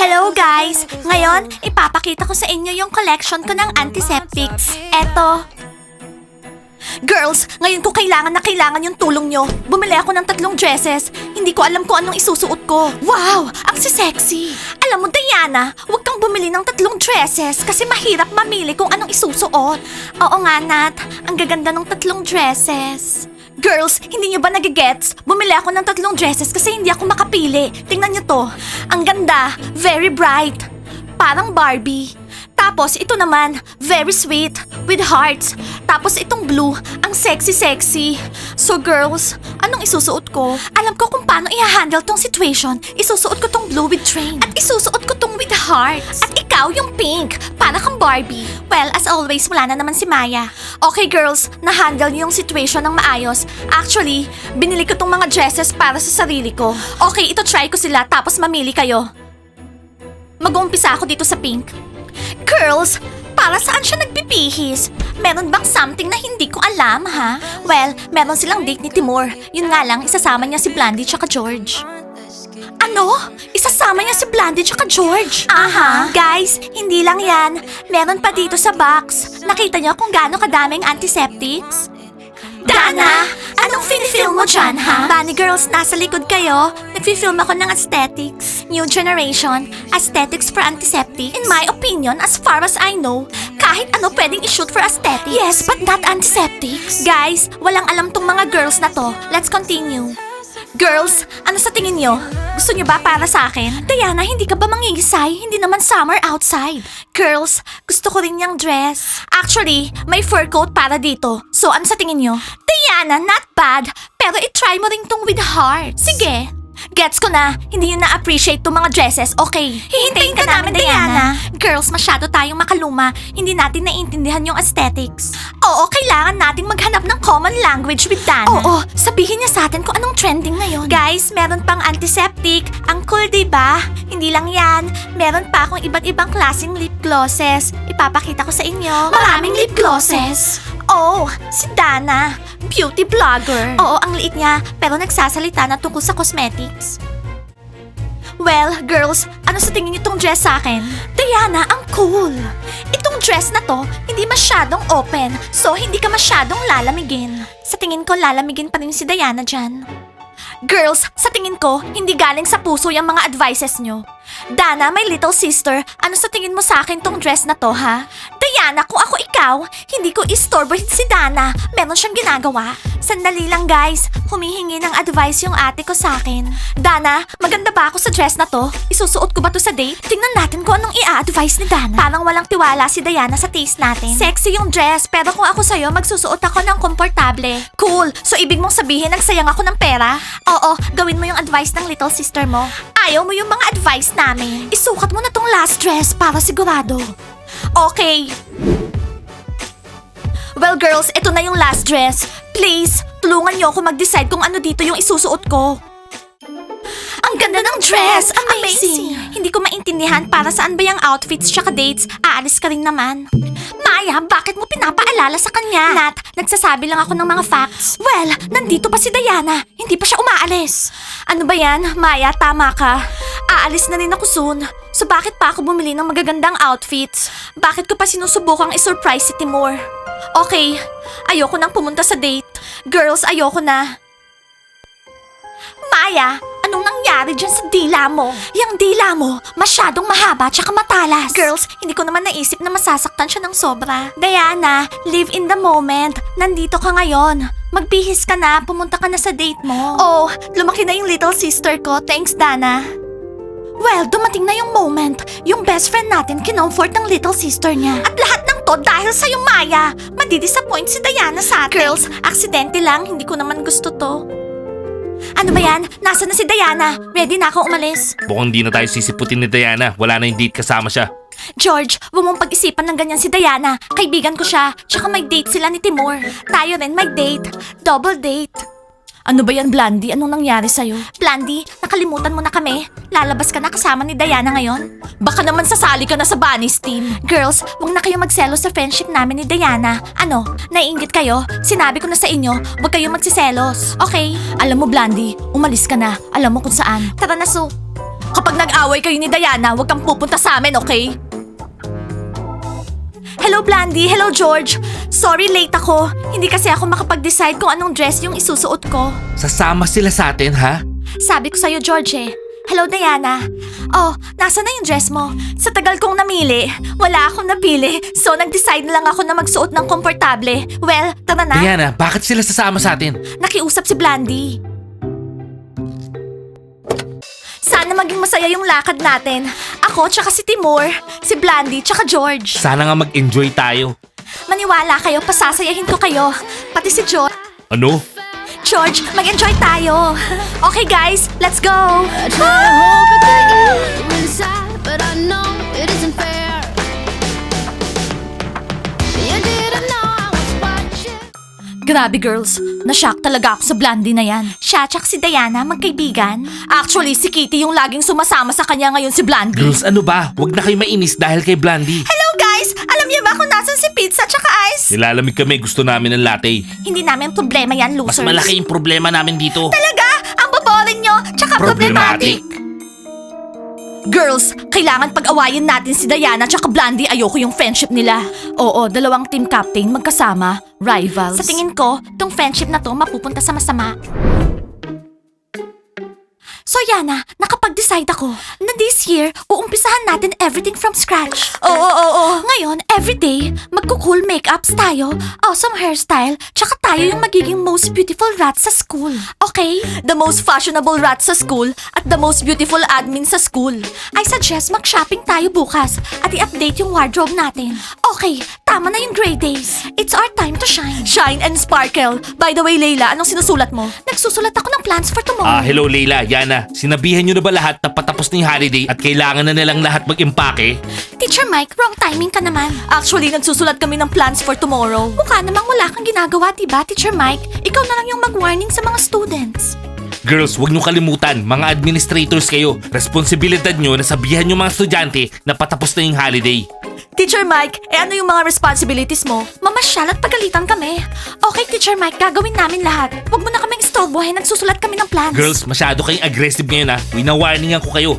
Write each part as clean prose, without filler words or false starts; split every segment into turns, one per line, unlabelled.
Hello guys! Ngayon, ipapakita ko sa inyo yung collection ko ng antiseptics. Eto. Girls, ngayon ko kailangan na kailangan yung tulong nyo. Bumili ako ng 3 dresses. Hindi ko alam kung anong isusuot ko. Wow! Ang sexy! Alam mo, Diana, huwag kang bumili ng 3 dresses kasi mahirap mamili kung anong isusuot. Oo nga, Nat. Ang gaganda ng 3 dresses. Girls, hindi nyo ba nagigets? Bumili ako ng 3 dresses kasi hindi ako makapili. Tingnan nyo to. Ang ganda. Very bright. Parang Barbie. Tapos ito naman, very sweet, with hearts. Tapos itong blue, ang sexy-sexy. So girls, anong isusuot ko? Alam ko kung paano i-handle tong situation. Isusuot ko tong blue with train. At isusuot ko tong with hearts. At ikaw yung pink, para kang Barbie. Well, as always, wala na naman si Maya. Okay girls, na-handle niyo yung situation ng maayos. Actually, binili ko tong mga dresses para sa sarili ko. Okay, ito try ko sila tapos mamili kayo. Mag-uumpisa ako dito sa pink. Girls, para saan siya nagbibihis? Meron bang something na hindi ko alam, ha? Well, meron silang date ni Timur. Yun nga lang, isasama niya si Blandy tsaka George. Ano? Isasama niya si Blandy tsaka George? Aha. Guys, hindi lang yan. Meron pa dito sa box. Nakita niyo kung gaano kadaming antiseptics? Dana, anong film mo dyan, ha? Bunny girls, nasa likod kayo. Nagfi-film ako ng aesthetics. New generation, aesthetics for antiseptic. In my opinion, as far as I know, kahit ano pwedeng i-shoot for aesthetics. Yes, but not antiseptics. Guys, walang alam tong mga girls na to. Let's continue. Girls, ano sa tingin nyo? Gusto nyo ba para sa akin? Diana, hindi ka ba mangingisay? Hindi naman summer outside. Girls, gusto ko rin yung dress. Actually, may fur coat para dito. So, ano sa tingin nyo? Diana, not bad. Pero i-try mo rin tong with heart. Sige. Gets ko na, hindi nyo na-appreciate tong mga dresses, okay? Hihintayin ka namin, Diana. Girls, masyado tayong makaluma. Hindi natin naiintindihan yung aesthetics. Oo, kailangan nating maghanap ng common language with Dana. Oo, sabihin niya sa atin kung anong trending ngayon. Guys, meron pang antiseptic. Ang cool, diba? Hindi lang yan. Meron pa akong iba't ibang klaseng lip glosses. Ipapakita ko sa inyo. Maraming lip glosses. Oh, si Dana. Beauty vlogger. Oo, ang liit niya, pero nagsasalita na tungkol sa cosmetics. Well, girls, ano sa tingin niyo tong dress sa akin? Diana, ang cool. Itong dress na to, hindi masyadong open, so hindi ka masyadong lalamigin. Sa tingin ko, lalamigin pa rin si Diana dyan. Girls, sa tingin ko, hindi galing sa puso yung mga advices nyo. Dana, my little sister, ano sa tingin mo sa akin tong dress na to, ha? Diana, kung ako ikaw, hindi ko istorbohin si Dana. Meron siyang ginagawa. Sandali lang, guys. Humihingi ng advice yung ate ko sa akin. Dana, maganda ba ako sa dress na to? Isusuot ko ba to sa date? Tingnan natin kung anong i-advise ni Dana. Parang walang tiwala si Diana sa taste natin. Sexy yung dress, pero kung ako sa'yo, magsusuot ako ng komportable. Cool. So, ibig mong sabihin, nagsayang ako ng pera? Oo, gawin mo yung advice ng little sister mo. Ayaw mo yung mga advice namin. Isukat mo na tong last dress para sigurado. Okay. Well, girls, ito na yung last dress. Please, tulungan niyo ako mag-decide kung ano dito yung isusuot ko. Ang ganda ng dress! Amazing! Hindi ko maintindihan para saan ba yung outfits tsaka dates. Aalis ka rin naman. Maya, bakit mo pinapaalala sa kanya? Nat, nagsasabi lang ako ng mga facts. Well, nandito pa si Diana. Hindi pa siya umaalis. Ano ba yan? Maya, tama ka. Aalis na rin ako soon. So bakit pa ako bumili ng magagandang outfits? Bakit ko pa sinusubukang i-surprise si Timur? Okay, ayoko nang pumunta sa date. Girls, ayoko na. Maya, anong nangyari dyan sa dila mo? Yang dila mo, masyadong mahaba tsaka matalas. Girls, hindi ko naman naisip na masasaktan siya ng sobra. Diana, live in the moment. Nandito ka ngayon. Magbihis ka na, pumunta ka na sa date mo. Oh, lumaki na yung little sister ko. Thanks, Dana. Well, dumating na yung moment. Yung best friend natin kinomfort ng little sister niya. At lahat ng to dahil sa'yo, Maya. Madidisappoint si Diana sa atin. Girls, aksidente lang. Hindi ko naman gusto to. Ano ba yan? Nasaan na si Diana? Ready na akong umalis.
Mukhang di na tayo sisiputin ni Diana. Wala na yung date kasama siya.
George, huwag mong pag-isipan ng ganyan si Diana. Kaibigan ko siya. Tsaka may date sila ni Timur. Tayo rin may date. Double date. Ano ba yan, Blandy? Anong nangyari sa'yo? Blandy, nakalimutan mo na kami. Lalabas ka na kasama ni Diana ngayon. Baka naman sasali ka na sa Bunnies team. Girls, huwag na kayo magselos sa friendship namin ni Diana. Ano, naiinggit kayo? Sinabi ko na sa inyo, huwag kayong magsiselos. Okay? Alam mo, Blandy, umalis ka na. Alam mo kung saan. Tara na, Sue. Kapag nag-away kayo ni Diana, huwag kang pupunta sa amin, okay? Hello, Blandy. Hello, George. Sorry, late ako. Hindi kasi ako makapag-decide kung anong dress yung isusuot ko.
Sasama sila sa atin, ha?
Sabi ko sa'yo, George eh. Hello, Diana. Oh, nasa na yung dress mo? Sa tagal kong namili, wala akong napili. So, nag-decide na lang ako na magsuot ng komportable. Well, tara na.
Diana, bakit sila sasama sa atin?
Nakiusap si Blandy. Sana maging masaya yung lakad natin. Ako, tsaka si Timur, si Blandy, tsaka George.
Sana nga mag-enjoy tayo.
Maniwala kayo, pasasayahin ko kayo. Pati si George.
Ano?
George, mag-enjoy tayo. Okay guys, let's go.
I try to hold back the evil inside, but I know it isn't fair. You didn't know I was watching.
Grabe girls, na-shock talaga ako sa Blandy na yan. Siya tsaka si Diana, magkaibigan. Actually, si Kitty yung laging sumasama sa kanya ngayon si Blandy.
Girls, ano ba? Huwag na kayo mainis dahil kay Blandy.
Hello guys! Alam niyo ba kung nasan si pizza tsaka ice?
Nilalamig kami, gusto namin ng latte.
Hindi namin problema yan,
Mas
losers.
malaki yung problema namin dito.
Talaga? Ang boboring nyo, tsaka problematic. Girls, kailangan pag-awayin natin si Diana tsaka Blandy. Ayoko yung friendship nila. Oo, dalawang team captain magkasama, rivals. Sa tingin ko, tong friendship na to mapupunta sa masama. So Yana, nakapag-decide ako na this year, uumpisahan natin everything from scratch. Oo. Ngayon, everyday, magko-cool makeups tayo, awesome hairstyle, tsaka tayo yung magiging most beautiful rat sa school. Okay? The most fashionable rat sa school at the most beautiful admin sa school. I suggest mag-shopping tayo bukas at i-update yung wardrobe natin. Okay, tama na yung gray days. It's our time to shine. Shine and sparkle. By the way, Layla, anong sinusulat mo? Nagsusulat ako ng plans for tomorrow.
Hello Leila, Yana. Sinabihan nyo na ba lahat na patapos na yung holiday at kailangan na nilang lahat mag-impake?
Teacher Mike, wrong timing ka naman. Actually, nagsusulat kami ng plans for tomorrow. Mukha namang wala kang ginagawa, diba, Teacher Mike? Ikaw na lang yung mag-warning sa mga students.
Girls, huwag nyo kalimutan, mga administrators kayo. Responsibilidad nyo na sabihan yung mga estudyante na patapos na yung holiday.
Teacher Mike, ano yung mga responsibilities mo? Mamasyal at pagalitan kami. Okay, Teacher Mike, gagawin namin lahat. Huwag mo na kaming istorbohin, nagsusulat kami ng plans.
Girls, masyado kayong aggressive ngayon ha. Wina-warningan ko kayo.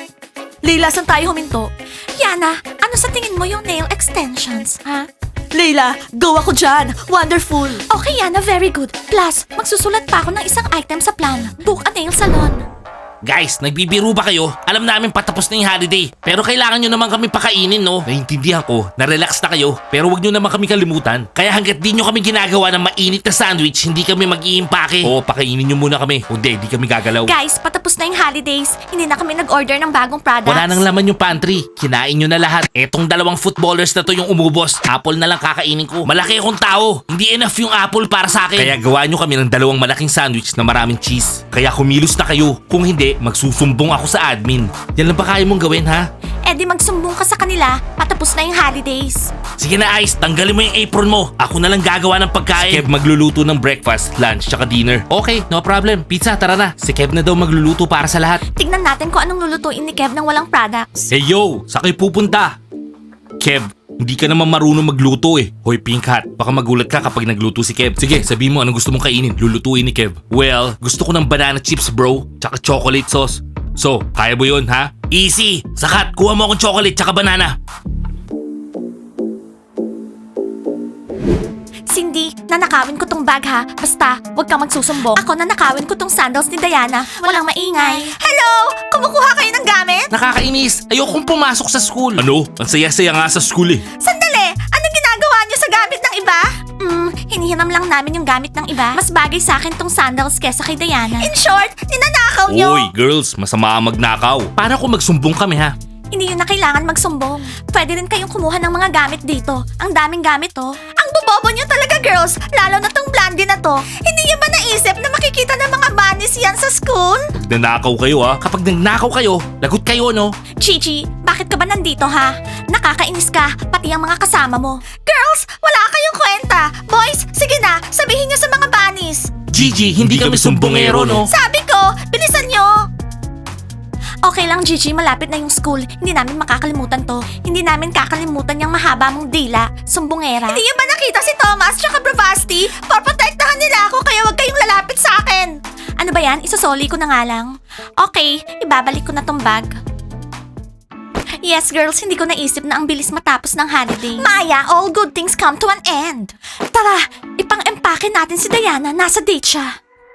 Leila, saan tayo huminto? Yana, ano sa tingin mo yung nail extensions, ha? Leila, go ako dyan. Wonderful. Okay, Yana, very good. Plus, magsusulat pa ako ng isang item sa plan. Book a nail salon.
Guys, nagbibiro ba kayo? Alam namin patapos na yung holiday. Pero kailangan nyo naman kami pakainin, no? Naiintindihan ko, na-relax na kayo. Pero wag nyo naman kami kalimutan. Kaya hanggat di nyo kami ginagawa ng mainit na sandwich, hindi kami mag-iimpake. Oo, pakainin nyo muna kami. Kundi, di kami gagalaw.
Guys, patapos na yung holidays. Hindi na kami nag-order ng bagong products.
Wala nang laman yung pantry. Kinain nyo na lahat. Etong dalawang footballers na to yung umubos. Apple na lang kakainin ko. Malaki akong tao. Hindi enough yung apple para sa akin. Kaya gawa nyo kami ng dalawang malaking sandwich na maraming cheese. Kaya kumilos na kayo. Kung hindi, magsusumbong ako sa admin. Yan lang ba kaya mong gawin, ha?
Eh di magsumbong ka sa kanila. Patapos na yung holidays.
Sige na, Ice. Tanggalin mo yung apron mo. Ako na lang gagawa ng pagkain. Si Kev magluluto ng breakfast, lunch, tsaka dinner. Okay, no problem. Pizza, tara na. Si Kev na daw magluluto para sa lahat.
Tignan natin kung anong lulutuin ni Kev ng walang products.
Hey yo, sa kayo pupunta? Kev, hindi ka naman marunong magluto eh. Hoy Pink Hat, baka magulat ka kapag nagluto si Kev. Sige, sabihin mo anong gusto mong kainin. Lulutuin ni Kev. Well, gusto ko ng banana chips bro, tsaka chocolate sauce. So, kaya mo yun ha? Easy! Sakat, kuha mo akong chocolate tsaka banana.
Cindy, nanakawin ko tong bag ha. Basta, huwag kang magsusumbong. Ako nanakawin ko tong sandals ni Diana. Walang maingay. Hello! Kumukuha kayo ng gamit?
Nakakainis, ayokong pumasok sa school. Ano? Ang saya-saya nga sa school eh.
Sandali! Anong ginagawa niyo sa gamit ng iba? Hinihiram lang namin yung gamit ng iba. Mas bagay sa akin tong sandals kesa kay Diana. In short, ninanakaw niyo!
Oy, girls, masama ang magnakaw. Para kung magsumbong kami ha?
Hindi yun na kailangan magsumbong. Pwede rin kayong kumuha ng mga gamit dito. Ang daming gamit to. Ang bobobo niyo talaga, girls. Lalo na tong Blandy na to. Hindi niyo ba naisip na makikita ng mga bunnies yan sa school?
Nagnakaw kayo ha? Kapag nagnakaw kayo, lagot kayo no?
Gigi, bakit ka ba nandito ha? Nakakainis ka, pati ang mga kasama mo. Girls, wala kayong kwenta. Boys, sige na, sabihin niyo sa mga bunnies.
Gigi, hindi kami sumbongero no?
Sabi ko, bilisan niyo. Okay lang, Gigi. Malapit na yung school. Hindi namin makakalimutan to. Hindi namin kakalimutan yung mahaba mong dila. Sumbongera. Hindi niyo ba nakita si Thomas tsaka Bravasti? Poprotektahan nila ako kaya huwag kayong lalapit sa akin. Ano ba yan? Isosoli ko na nga lang. Okay, ibabalik ko na tong bag. Yes, girls, hindi ko naisip na ang bilis matapos ng holiday. Maya, all good things come to an end. Tara, ipang-empake natin si Diana. Nasa date siya.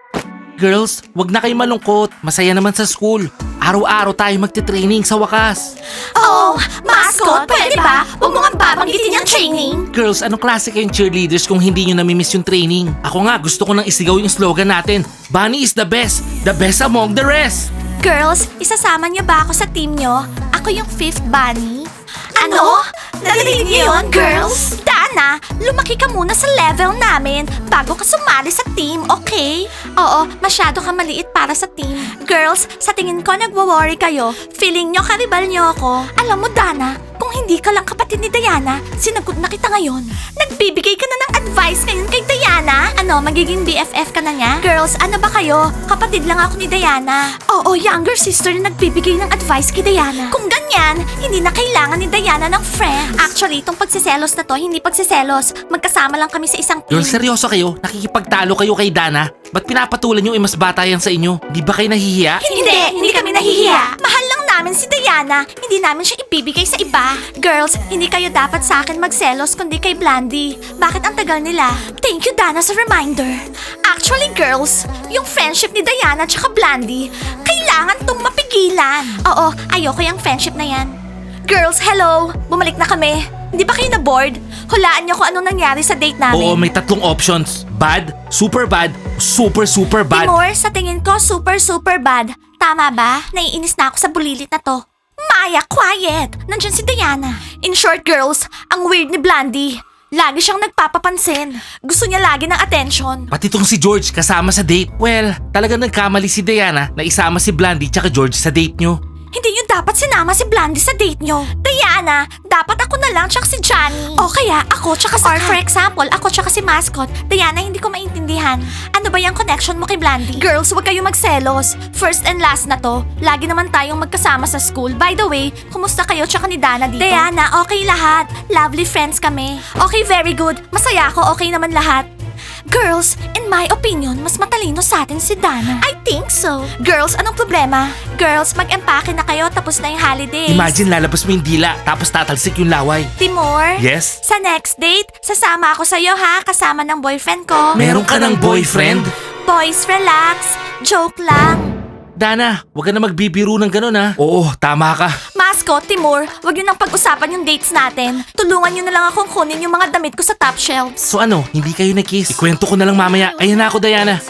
Girls, wag na kayo malungkot. Masaya naman sa school. Araw-araw tayo magte-training sa wakas.
Oh, mascot, pwede ba? Huwag mo nga babanggitin yung training.
Girls, anong klase kayong cheerleaders kung hindi nyo namimiss yung training? Ako nga, gusto ko nang isigaw yung slogan natin. Bunny is the best among the rest.
Girls, isasama niyo ba ako sa team niyo? Ako yung fifth bunny. Ano? Narinig niyo yun, girls? Dana, lumaki ka muna sa level namin bago ka sumali sa team, okay? Oo, masyado ka maliit para sa team. Girls, sa tingin ko nagwo-worry kayo. Feeling nyo karibal nyo ako. Alam mo, Dana, kung hindi ka lang kapatid ni Diana, sinagot na kita ngayon. Nagbibigay ka na ng advice ngayon kay Diana? Ano, magiging BFF ka na niya? Girls, ano ba kayo? Kapatid lang ako ni Diana. Oo, younger sister na nagbibigay ng advice kay Diana. Kung ganyan, hindi na kailangan ni Diana ng friends. Actually, itong pagsiselos na to, hindi pagsiselos. Magkasama lang kami sa isang team.
Girls, seryoso kayo? Nakikipagtalo kayo kay Dana? Ba't pinapatulan nyo mas bata yan sa inyo? Di ba kayo nahihiya?
Hindi kami nahihiya. Mahal lang namin si Diana. Hindi namin siya ibibigay sa iba. Girls, hindi kayo dapat sa akin magselos kundi kay Blandy. Bakit ang tagal nila? Thank you, Dana, sa reminder. Actually, girls, yung friendship ni Diana tsaka Blandy, kailangan tong mapigilan. Oo, ayoko yung friendship na yan. Girls, hello! Bumalik na kami. Hindi ba kayo na-bored? Hulaan niyo kung anong nangyari sa date namin.
Oo, may 3 options. Bad, super bad, super bad.
Timur, sa tingin ko super bad. Tama ba? Naiinis na ako sa bulilit na to. Maya, quiet! Nandyan si Diana. In short, girls, ang weird ni Blandy. Lagi siyang nagpapapansin. Gusto niya lagi ng attention.
Pati tong si George kasama sa date. Well, talagang nagkamali si Diana na isama si Blandy tsaka George sa date nyo.
Hindi niyo dapat sinama si Blandy sa date niyo. Diana, dapat ako na lang tsaka si Johnny. O kaya ako tsaka sa... Or for example, ako tsaka si Mascot. Diana, hindi ko maintindihan. Ano ba yung connection mo kay Blandy? Girls, huwag kayo magselos. First and last na to. Lagi naman tayong magkasama sa school. By the way, kumusta kayo tsaka ni Dana dito? Diana, okay lahat. Lovely friends kami. Okay, very good. Masaya ako, okay naman lahat. Girls, in my opinion, mas matalino sa atin si Dana. I think so. Girls, anong problema? Girls, mag-empake na kayo tapos na yung holidays.
Imagine lalabas mo yung dila tapos tatalsik yung laway.
Timur?
Yes?
Sa next date, sasama ako sa'yo ha, kasama ng boyfriend ko.
Meron ka ng boyfriend?
Boys, relax. Joke lang.
Dana, wag ka na magbibiro ng ganun ha. Oo, tama ka.
Mascot, Timur, wag niyo nang pag-usapan yung dates natin. Tulungan niyo na lang akong kunin yung mga damit ko sa top shelves.
So ano, hindi kayo na-kiss? Ikwento ko na lang mamaya. Ayan na ako, Diana.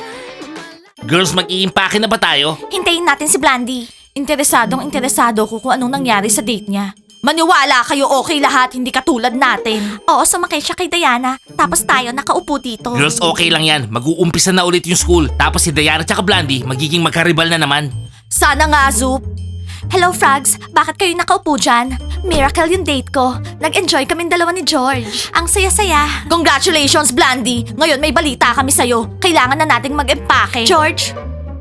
Girls, mag-iimpake na ba tayo?
Hintayin natin si Blandy. Interesado ko kung anong nangyari sa date niya. Maniwala kayo, okay lahat, hindi katulad natin. Oo, sumakay siya kay Diana, tapos tayo nakaupo dito.
Girls, okay lang yan. Mag-uumpisa na ulit yung school. Tapos si Diana tsaka Blandy, magiging magkaribal na naman.
Sana nga, Zoop. Hello, Frogs. Bakit kayo nakaupo dyan? Miracle yung date ko. Nag-enjoy kaming dalawa ni George. Ang saya-saya. Congratulations, Blandy. Ngayon may balita kami sa'yo. Kailangan na nating mag-empake. George?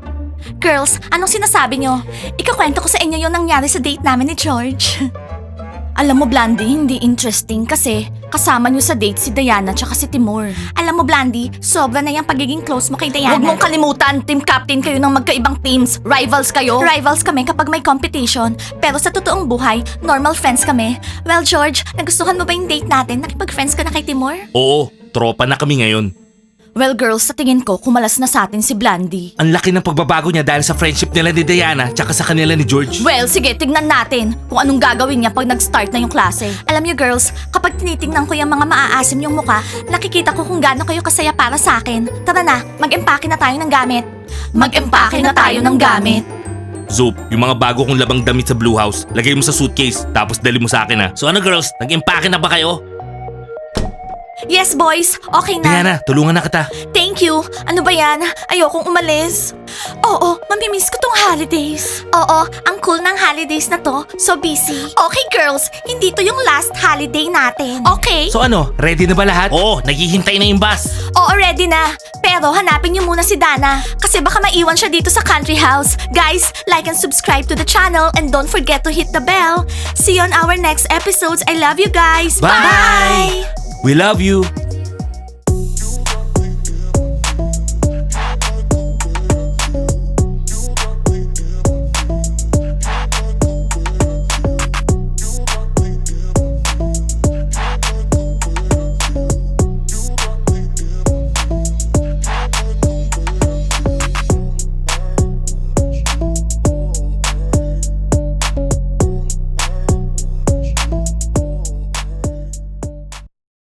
Girls, anong sinasabi nyo? Ikakwento ko sa inyo yung nangyari sa date namin ni George. Alam mo, Blandy, hindi interesting kasi kasama niyo sa date si Diana tsaka si Timur. Alam mo, Blandy, sobra na yung pagiging close mo kay Diana. Huwag mong kalimutan, team captain kayo ng magkaibang teams. Rivals kayo. Rivals kami kapag may competition. Pero sa totoong buhay, normal friends kami. Well, George, nagustuhan mo ba yung date natin? Nakipag-friends ka na kay Timur?
Oo, tropa na kami ngayon.
Well, girls, sa tingin ko, kumalas na sa atin si Blandy.
Ang laki ng pagbabago niya dahil sa friendship nila ni Diana tsaka sa kanila ni George.
Well, sige, tignan natin kung anong gagawin niya pag nag-start na yung klase. Alam niyo, girls, kapag tinitingnan ko yung mga maaasim yung muka, nakikita ko kung gaano kayo kasaya para sa akin. Tara na, mag-empake na tayo ng gamit. Mag-empake na tayo ng gamit.
Zoop, yung mga bago kong labang damit sa Blue House, lagay mo sa suitcase, tapos dali mo sa akin ha. So ano girls, nag-empake na ba kayo?
Yes, boys. Okay na.
Diana, tulungan na kita.
Thank you. Ano ba yan? Ayokong umalis. Oo, mamimiss ko tong holidays. Oo, ang cool ng holidays na to. So busy. Okay, girls. Hindi to yung last holiday natin. Okay?
So ano, ready na ba lahat? Oo, naghihintay na yung bus.
Oo, ready na. Pero hanapin niyo muna si Dana. Kasi baka maiwan siya dito sa country house. Guys, like and subscribe to the channel and don't forget to hit the bell. See you on our next episodes. I love you guys.
Bye! We love you.